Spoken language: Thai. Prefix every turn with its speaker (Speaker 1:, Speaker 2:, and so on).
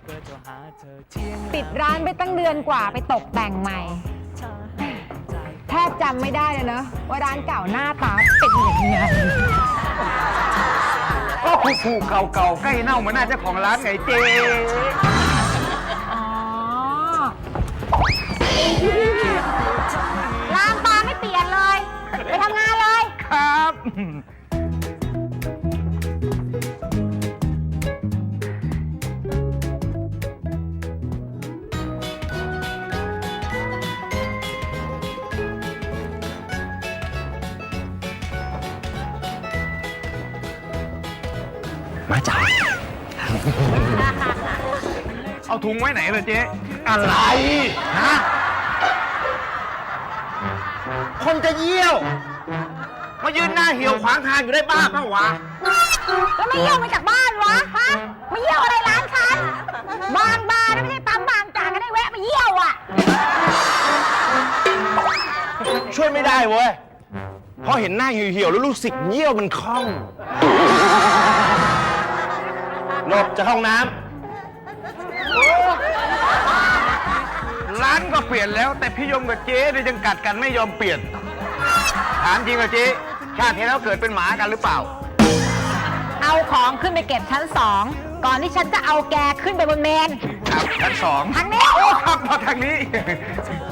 Speaker 1: ปิดร้านไปตั้งเดือนกว่าไปตกแต่งใหม่แทบจำไม่ได้เลยเนอะว่าร้านเก่าหน้าตาเป็นยังไง
Speaker 2: ก็ผูกเก่าๆใกล้เน่าเหมือนหน้าเจ้าของร้านไงเจ๊
Speaker 1: อ๋อร้านตาไม่เปลี่ยนเลย ไปทำงานเลย
Speaker 2: ครับ มาจ่ายเอาถุงไว้ไหนเลยเจ๊อะไรฮะคนจะเยี่ยว มายืนหน้าเหี่ยวขวางทางอยู่ได้บ้าเปล่าวะ
Speaker 1: แล้วไม่เยี่ยวมาจากบ้านวะ ฮะไม่เยี่ยวอะไรร้านฉันบางบาร์นะไม่ใช่ปั๊มบางจากก็ได้แวะมาเยี่ยวอ่ะ
Speaker 3: ช่วยไม่ได้เว้ย เพราะเห็นหน้าเหี่ยวๆแล้วรู้สึกเยี่ยวมันคล่องหลบจะเข้าห้องน้
Speaker 2: ร้านก็เปลี่ยนแล้วแต่พี่ยมกับเจ๊เนี่ยยังกัดกันไม่ยอมเปลี่ยน ถามจริงกับเจ๊ชาติที่แล้วเกิดเป็นหมากันหรือเปล่า
Speaker 1: เอาของขึ้นไปเก็บชั้น 2 ก่อนที่ฉันจะเอาแกขึ้นไปบนเมน
Speaker 2: ครับชั้น 2
Speaker 1: ทางนี้
Speaker 2: โอ้ครับมาทางนี้